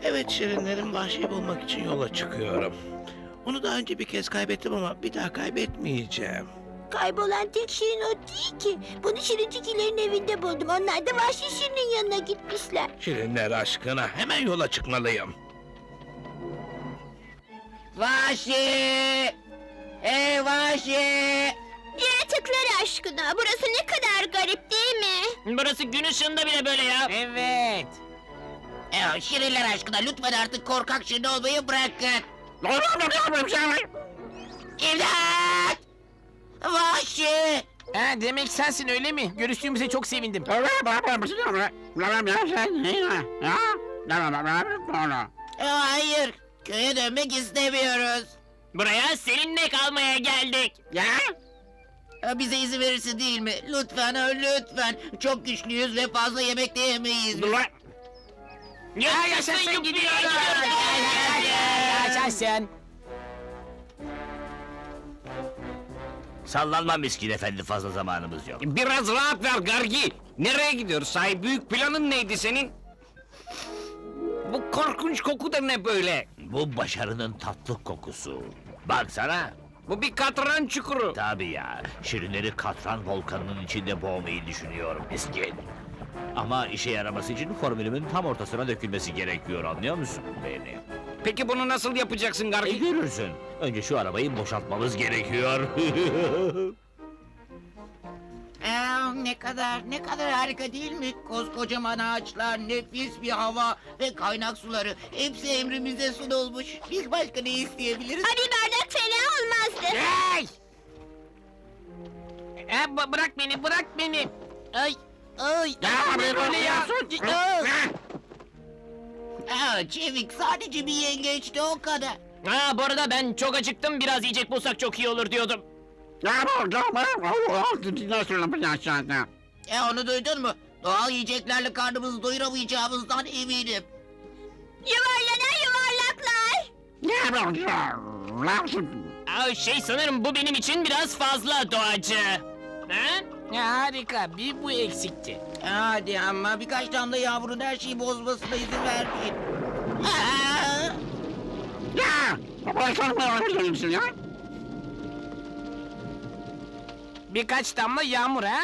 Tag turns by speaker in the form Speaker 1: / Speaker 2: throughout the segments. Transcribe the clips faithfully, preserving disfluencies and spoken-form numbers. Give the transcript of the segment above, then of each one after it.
Speaker 1: Evet Şirinlerim, Vahşi bulmak için yola çıkıyorum. Onu daha önce bir kez kaybettim ama bir daha kaybetmeyeceğim.
Speaker 2: Kaybolan tek Şirin o değil ki. Bunu Şirinciklerin evinde buldum. Onlar da Vahşi Şirin'in yanına gitmişler.
Speaker 1: Şirinler aşkına hemen yola çıkmalıyım.
Speaker 3: Vahşi! Ey Vahşi!
Speaker 2: Yaratıklar aşkına. Burası ne kadar garip değil mi?
Speaker 4: Burası gün ışığında bile böyle ya.
Speaker 3: Evet. Ee, Şirinler aşkına lütfen artık korkak Şirin olmayı bırakın. İmdat! Vahşi!
Speaker 5: Ha, demek sensin öyle mi? Görüştüğümüze çok sevindim.
Speaker 3: Ee, hayır, köye dönmek istemiyoruz.
Speaker 4: Buraya seninle kalmaya geldik.
Speaker 3: Ya? Ee, Bize izin verirsin değil mi? Lütfen, ha, lütfen. Çok güçlüyüz ve fazla yemek de yemeyiz.
Speaker 4: Ya yaşasın gidiyoruz.
Speaker 5: Yaşasın.
Speaker 6: Sallanma miskin efendi, fazla zamanımız yok.
Speaker 7: Biraz rahat ver Gargi. Nereye gidiyoruz? Sahi büyük planın neydi senin? Bu korkunç koku da ne böyle?
Speaker 6: Bu başarının tatlı kokusu. Baksana.
Speaker 7: Bu bir katran çukuru.
Speaker 6: Tabii ya, şirinleri katran volkanının içinde boğmayı düşünüyorum miskin. Ama işe yaraması için formülümün tam ortasına dökülmesi gerekiyor, anlıyor musun beni?
Speaker 7: Peki bunu nasıl yapacaksın
Speaker 6: E
Speaker 7: Gargi?
Speaker 6: görürsün. Önce şu arabayı boşaltmamız gerekiyor.
Speaker 3: Ee, ne kadar, ne kadar harika değil mi? Koskocaman ağaçlar, nefis bir hava ve kaynak suları. Hepsi emrimize sunulmuş. Biz başka ne isteyebiliriz?
Speaker 2: Ay, bir bardak fena olmazdı.
Speaker 5: Hey! Ha, b- bırak beni, bırak beni. Ay, ay.
Speaker 7: Ya,
Speaker 5: Ne böyle ya?
Speaker 3: Aa, Çevik sadece bir yengeçti o kadar.
Speaker 4: Ha, bu arada ben çok acıktım. Biraz yiyecek bulsak çok iyi olur diyordum.
Speaker 3: E onu duydun mu? Doğal yiyeceklerle karnımızı doyuramayacağımızdan eminim.
Speaker 2: Yuvarlanan yuvarlaklar.
Speaker 4: Aa, şey sanırım bu benim için biraz fazla doğacı. Ha?
Speaker 5: Ya, harika, bir bu eksikti.
Speaker 3: Hadi ama birkaç damla yağmurun her şeyi bozmasına izin vermeyin. Aa!
Speaker 5: Birkaç damla yağmur ha?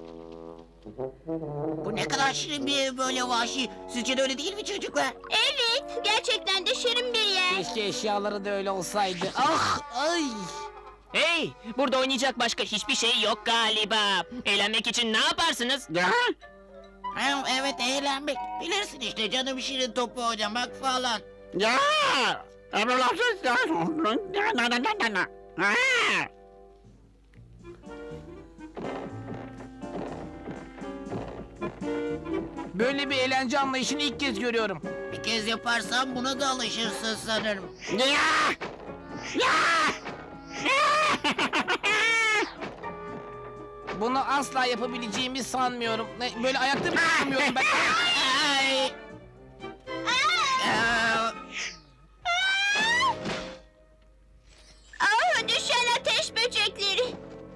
Speaker 3: Bu ne kadar şirin bir ev böyle Vahşi. Sizce de öyle değil mi çocuklar?
Speaker 2: Evet, gerçekten de şirin bir yer.
Speaker 5: Keşke eşyaları da öyle olsaydı. Ah, ay.
Speaker 4: Hey, burada oynayacak başka hiçbir şey yok galiba. Eğlenmek için ne yaparsınız?
Speaker 3: Ha, evet eğlenmek. Bilirsin işte canım şirin topu oynamak falan.
Speaker 5: Böyle bir eğlence anlayışını ilk kez görüyorum.
Speaker 3: Bir kez yaparsan buna da alışırsın sanırım.
Speaker 5: Bunu asla yapabileceğimi sanmıyorum. Ne, Böyle ayakta bile duramıyorum ben.
Speaker 3: Ay! Aa!
Speaker 2: Ah, düşen ateş böcekleri.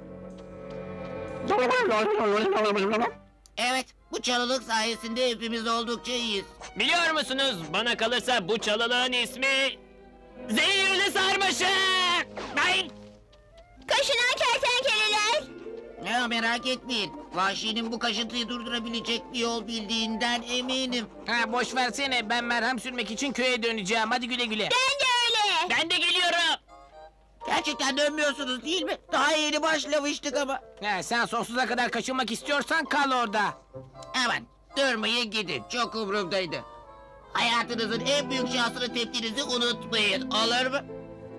Speaker 3: Evet, bu çalılık sayesinde hepimiz oldukça iyiyiz.
Speaker 4: Biliyor musunuz, bana kalırsa bu çalılığın ismi... Zehirli sarmaşık! Ay!
Speaker 2: Kaşınan kertenkeleler.
Speaker 3: Ya merak etmeyin, Vahşi'nin bu kaşıntıyı durdurabilecek bir yol bildiğinden eminim.
Speaker 5: Ha, boş versene, ben merhem sürmek için köye döneceğim. Hadi güle güle.
Speaker 2: Ben de öyle.
Speaker 4: Ben de geliyorum.
Speaker 3: Gerçekten dönmüyorsunuz değil mi? Daha yeni başlamıştık ama.
Speaker 5: Ha, sen sonsuza kadar kaçınmak istiyorsan kal orada.
Speaker 3: Aman, durmayın gidin, çok umurumdaydı. Hayatınızın en büyük şansını tepkinizi unutmayın, olur mu?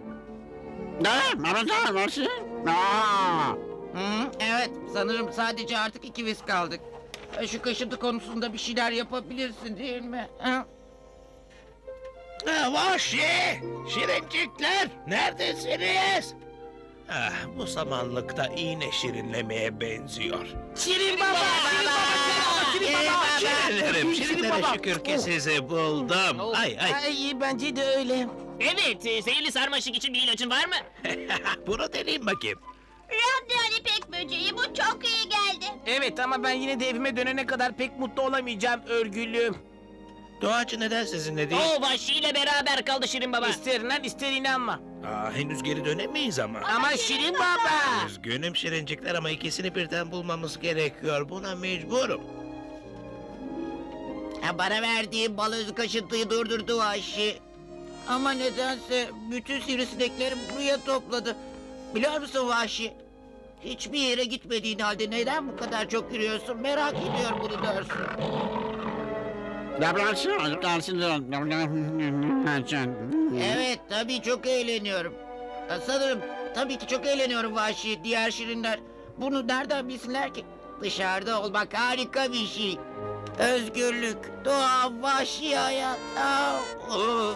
Speaker 3: Hı, evet, sanırım sadece artık ikimiz kaldık. E, Şu kaşıntı konusunda bir şeyler yapabilirsin değil mi? Hı?
Speaker 1: Ha, Vahşi! Şirincikler! Neredesiniz? Ah, bu samanlıkta iğne şirinlemeye benziyor.
Speaker 5: Şirin baba! Şirin baba! Şirin baba!
Speaker 1: Şirinlerim,
Speaker 5: Şirin
Speaker 1: şirinlere
Speaker 5: baba!
Speaker 1: şükür ki sizi buldum.
Speaker 5: Oh,
Speaker 1: Ay ay.
Speaker 5: ay, iyi, bence de öyle.
Speaker 4: Evet, e, zehirli sarmaşık için bir ilacın var mı?
Speaker 1: Bunu deneyeyim bakayım.
Speaker 2: Radyan ipek böceği, bu çok iyi geldi.
Speaker 5: Evet, ama ben yine de evime dönene kadar pek mutlu olamayacağım örgülüm.
Speaker 1: Doğacı neden sizinle değil?
Speaker 4: O vahşiyle beraber kaldı Şirin Baba.
Speaker 5: İster inan ister inanma.
Speaker 1: Aa, henüz geri dönemeyiz ama.
Speaker 5: Ama Şirin Baba.
Speaker 1: Üzgünüm şirincikler ama ikisini birden bulmamız gerekiyor. Buna mecburum.
Speaker 3: Ha, bana verdiği bal özü kaşıntıyı durdurdu vahşi. Ama nedense bütün sivrisinekleri buraya topladı. Biliyor musun vahşi? Hiçbir yere gitmediğin halde neden bu kadar çok yürüyorsun merak ediyorum bunu dersin. Evet tabii çok eğleniyorum. Ha, Sanırım tabii ki çok eğleniyorum vahşi diğer şirinler. Bunu nereden bilsinler ki? Dışarıda olmak harika bir şey. Özgürlük, doğa, vahşi hayat. Aa, oo.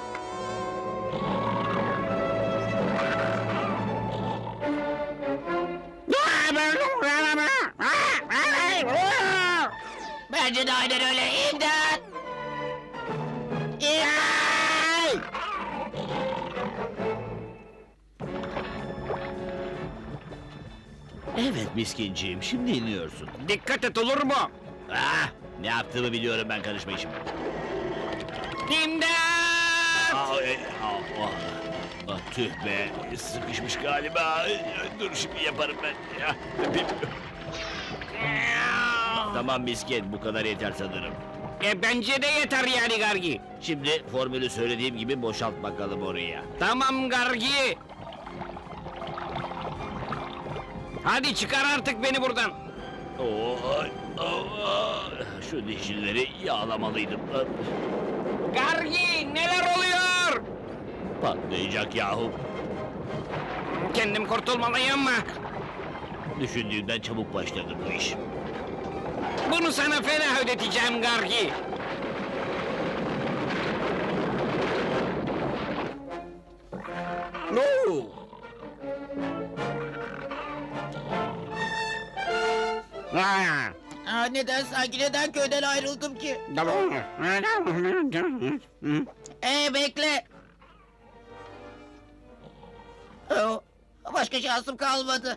Speaker 3: Bence de aynen öyle. İmdat! İmdat!
Speaker 6: Evet miskinciğim, şimdi iniyorsun.
Speaker 7: Dikkat et olur mu?
Speaker 6: Ah, ne yaptığımı biliyorum ben, karışma işime.
Speaker 7: İmdat!
Speaker 6: Aa, e, aa, ah, ah, tüh be, sıkışmış galiba. Dur şimdi yaparım ben. Ya, öpeyim. Tamam miskin, bu kadar yeter sanırım.
Speaker 7: E bence de yeter yani Gargi.
Speaker 6: Şimdi formülü söylediğim gibi boşalt bakalım oraya.
Speaker 7: Tamam Gargi. Hadi çıkar artık beni buradan.
Speaker 6: Oy, oh, şu dişlileri yağlamalıydım.
Speaker 7: Gargi neler oluyor?
Speaker 6: Patlayacak yahu.
Speaker 7: Kendim kurtulmalıyım mı?
Speaker 6: Düşündüğümden çabuk başladı bu iş.
Speaker 7: Bunu sana fena ödeteceğim Gargi.
Speaker 6: No!
Speaker 3: Aa, neden sanki neden köyden ayrıldım ki? Ee bekle. Oo, başka şansım kalmadı.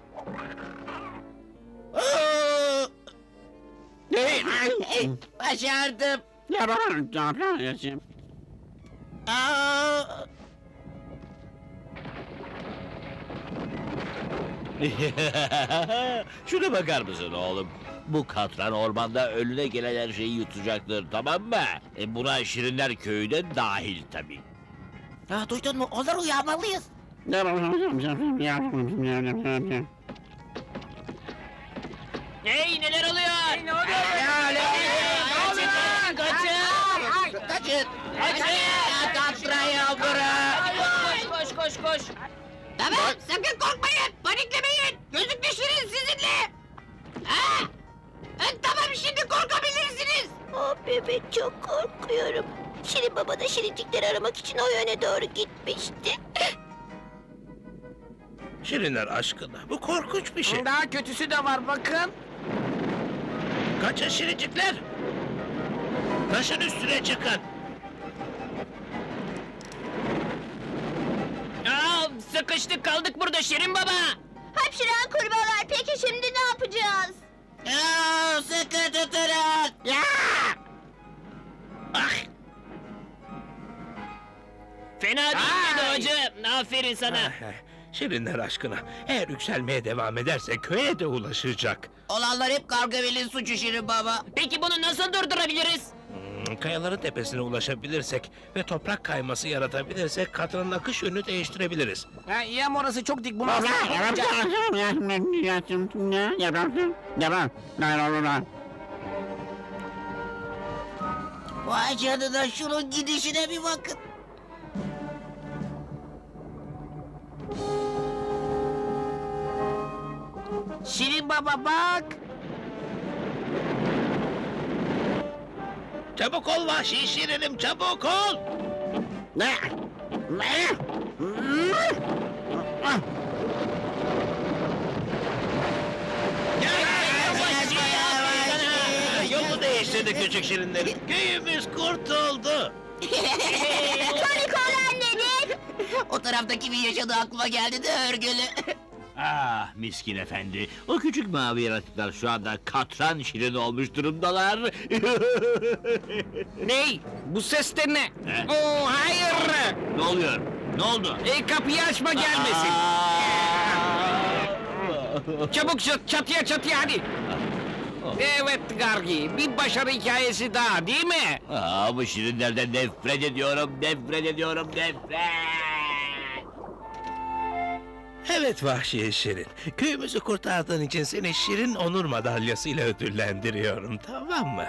Speaker 3: Oo! Başardım. Aa!
Speaker 6: Şuna bakar mısın oğlum? Bu katran ormanda önüne gelen her şeyi yutacaktır, tamam mı? E buna Şirinler Köyü de dahil tabii.
Speaker 3: Ya duydun mu? Onları uyarmalıyız.
Speaker 4: Hey neler oluyor?
Speaker 5: Ne oluyor?
Speaker 3: Ya, ne oluyor?
Speaker 4: Kaçın! Kaçın!
Speaker 3: Kaçın!
Speaker 4: Kaçın!
Speaker 3: Ya katrayı bırak!
Speaker 4: Koş koş koş koş!
Speaker 3: Tamam, sakın korkmayın, paniklemeyin. Gözüm düşürün sizinle. Ha? E, tamam, şimdi korkabilirsiniz.
Speaker 2: Oh bebek çok korkuyorum. Şirin Baba da şirincikleri aramak için o yöne doğru gitmişti.
Speaker 1: Şirinler aşkına bu korkunç bir şey.
Speaker 5: Daha kötüsü de var bakın.
Speaker 1: Kaçın şirincikler. Taşın üstüne çıkın.
Speaker 4: Aa, sıkıştık kaldık burada Şirin Baba!
Speaker 2: Hapşıran kurbağalar peki şimdi ne yapacağız?
Speaker 3: Ya, sıkı tutunun. Ya!
Speaker 1: Ah!
Speaker 4: Fena değil mi Doğacı? Aferin sana.
Speaker 1: Ah, Şirinler aşkına eğer yükselmeye devam ederse köye de ulaşacak.
Speaker 3: Olanlar hep Gargamel'in suçu Şirin Baba.
Speaker 4: Peki bunu nasıl durdurabiliriz?
Speaker 1: Hmm, Kayaların tepesine ulaşabilirsek ve toprak kayması yaratabilirsek katranın akış yönünü değiştirebiliriz.
Speaker 5: Ha, iyi ama orası çok dik. Bunu asla yapamayacağız.
Speaker 3: Vay canına, şunun gidişine bir bakın.
Speaker 5: Şirin Baba bak.
Speaker 1: Çabuk ol vahşi şirinim, çabuk ol!
Speaker 3: Ne? Ne?
Speaker 1: Yolu değiştirdi küçük şirinlerim. Köyümüz kurtuldu.
Speaker 2: Komik olan nedir?
Speaker 3: O taraftaki bir yaşadığı aklıma geldi de örgülü.
Speaker 6: Ah miskin efendi. O küçük mavi yaratıklar şu anda katran şirin olmuş durumdalar.
Speaker 7: Ney? Bu ses de ne?
Speaker 6: Ne?
Speaker 7: Oo hayır!
Speaker 6: Ne oluyor? Ne oldu?
Speaker 7: E, kapıyı açma gelmesin.
Speaker 6: Aa!
Speaker 7: Çabuk çat, çatıya çatıya hadi. Evet Gargi, bir başarı hikayesi daha değil mi?
Speaker 6: Aa, bu şirinlerden nefret ediyorum, nefret ediyorum, nefret!
Speaker 1: Evet vahşi şirin. Köyümüzü kurtardığın için seni şirin onur madalyasıyla ödüllendiriyorum, tamam mı?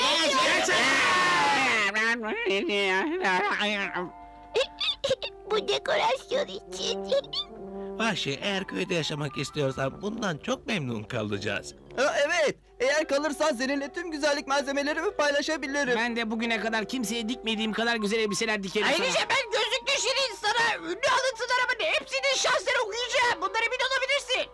Speaker 2: Bu dekorasyon için.
Speaker 1: Vahşi, eğer köyde yaşamak istiyorsan bundan çok memnun kalacağız.
Speaker 8: Ha, evet, eğer kalırsan seninle tüm güzellik malzemelerimi paylaşabilirim.
Speaker 5: Ben de bugüne kadar kimseye dikmediğim kadar güzel elbiseler dikerim sana.
Speaker 3: Ayrıca ben gözlüklü şirin sana ünlü alıntılarımın hepsinin şansları okuyacağım. Bundan emin olabilirsin.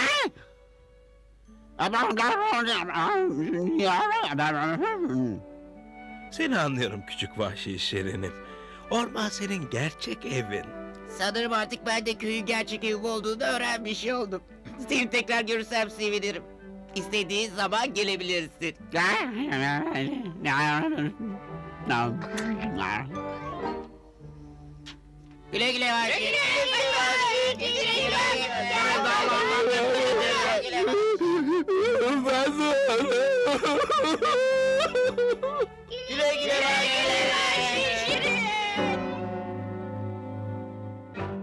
Speaker 1: Seni anlıyorum küçük vahşi şirinim. Orman senin gerçek evin.
Speaker 3: Sanırım artık ben de köyün gerçek evi olduğunu öğrenmiş oldum. Seni tekrar görürsem sevinirim. İstediğin zaman gelebilirsin. Güle güle var. Güle güle
Speaker 8: Ben de